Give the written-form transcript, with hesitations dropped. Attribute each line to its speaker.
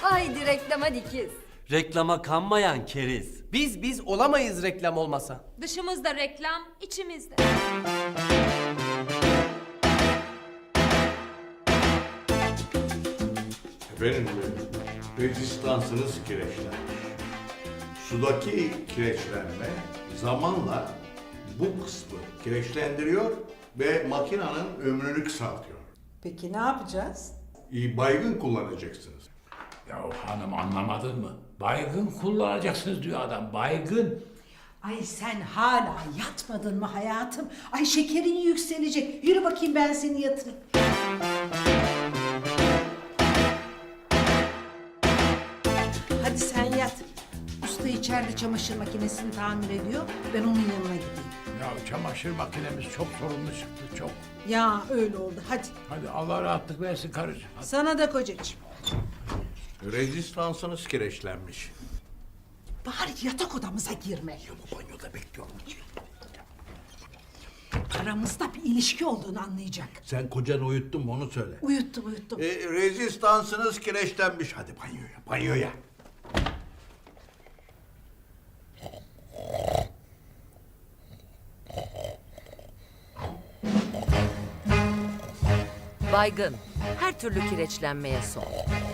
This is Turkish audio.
Speaker 1: Haydi reklama dikiz.
Speaker 2: Reklama kanmayan keriz.
Speaker 3: Biz olamayız reklam olmasa.
Speaker 1: Dışımızda reklam, içimizde.
Speaker 4: Efendim, rezistansınız kireçlenmiş. Sudaki kireçlenme zamanla bu kısmı kireçlendiriyor ve makinenin ömrünü kısaltıyor.
Speaker 5: Peki ne yapacağız?
Speaker 4: Baygın kullanacaksınız.
Speaker 6: Ya hanım anlamadın mı? Baygın kullanacaksınız diyor adam. Baygın.
Speaker 5: Ay sen hala yatmadın mı hayatım? Ay şekerin yükselecek. Yürü bakayım ben seni yatırayım. Hadi sen yat. Usta içeride çamaşır makinesini tamir ediyor. Ben onun yanına gideyim.
Speaker 6: Ya çamaşır makinemiz çok sorunlu çıktı çok.
Speaker 5: Ya öyle oldu. Hadi.
Speaker 6: Hadi Allah rahatlık versin karıcığım. Hadi.
Speaker 5: Sana da kocacığım.
Speaker 4: Rezistansınız kireçlenmiş.
Speaker 5: Bari yatak odamıza girme.
Speaker 6: Ya bu banyoda bekliyorum.
Speaker 5: Aramızda bir ilişki olduğunu anlayacak.
Speaker 4: Sen kocanı uyuttun mu onu söyle.
Speaker 5: Uyuttum.
Speaker 4: Rezistansınız kireçlenmiş. Hadi banyoya.
Speaker 7: Baygın, her türlü kireçlenmeye son.